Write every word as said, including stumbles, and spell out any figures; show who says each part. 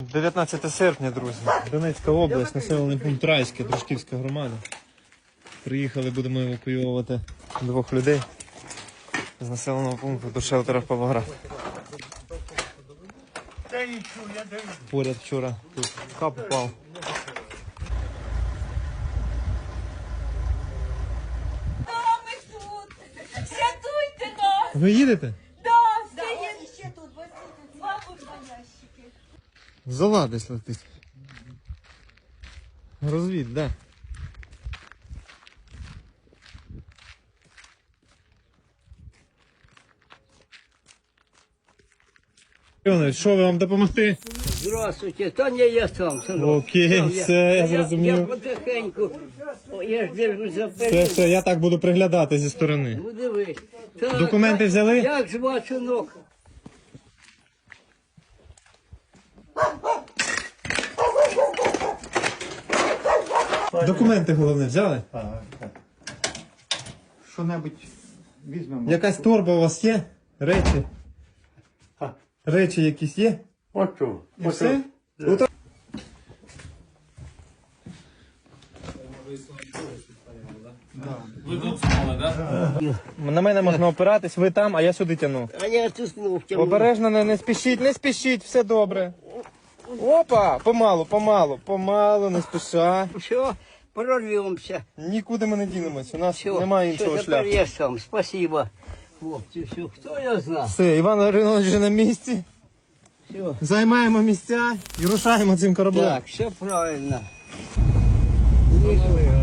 Speaker 1: дев'ятнадцяте серпня, друзі. Донецька область, населений пункт Райське, Дружківська громада. Приїхали, будемо евакуювати двох людей з населеного пункту до шелтера в Павлоград. Поряд вчора тут кап упав.
Speaker 2: Рятуйте нас!
Speaker 1: Ви їдете?
Speaker 2: Да, стоїть ще тут, бабушка ящики.
Speaker 1: Зола десь летить. Розвід, де? Іванович, що ви, вам допомогти?
Speaker 3: Здравствуйте, та не я сам, синок.
Speaker 1: Окей, все, я зрозумів.
Speaker 3: Я потихеньку, О, я ж держусь за
Speaker 1: Все,
Speaker 3: першим.
Speaker 1: все, я так буду приглядати зі сторони.
Speaker 3: Ну дивись. Так,
Speaker 1: Документи взяли?
Speaker 3: Як звати синок?
Speaker 1: Документи головне взяли?
Speaker 4: Що-небудь візьмемо.
Speaker 1: Якась торба у вас є? Речі? Речі якісь є?
Speaker 4: Ото.
Speaker 1: І все? Ото- На мене можна опиратись, ви там, а я сюди тяну.
Speaker 3: А я тиснув тягнув.
Speaker 1: Обережно, не, не спішіть, не спішіть, все добре. Опа, помалу, помалу, помалу, не спіша.
Speaker 3: Все, прорвемося.
Speaker 1: Нікуди ми не дінемось, у нас
Speaker 3: Все,
Speaker 1: немає
Speaker 3: все,
Speaker 1: іншого
Speaker 3: тепер
Speaker 1: шляху.
Speaker 3: я сам. Спасибо. Хлопці, все, хто я знав?
Speaker 1: Все, Іван Гаврилович вже на місці.
Speaker 3: Все.
Speaker 1: Займаємо місця і рушаємо цим кораблем.
Speaker 3: Так, все правильно. Ніхуя.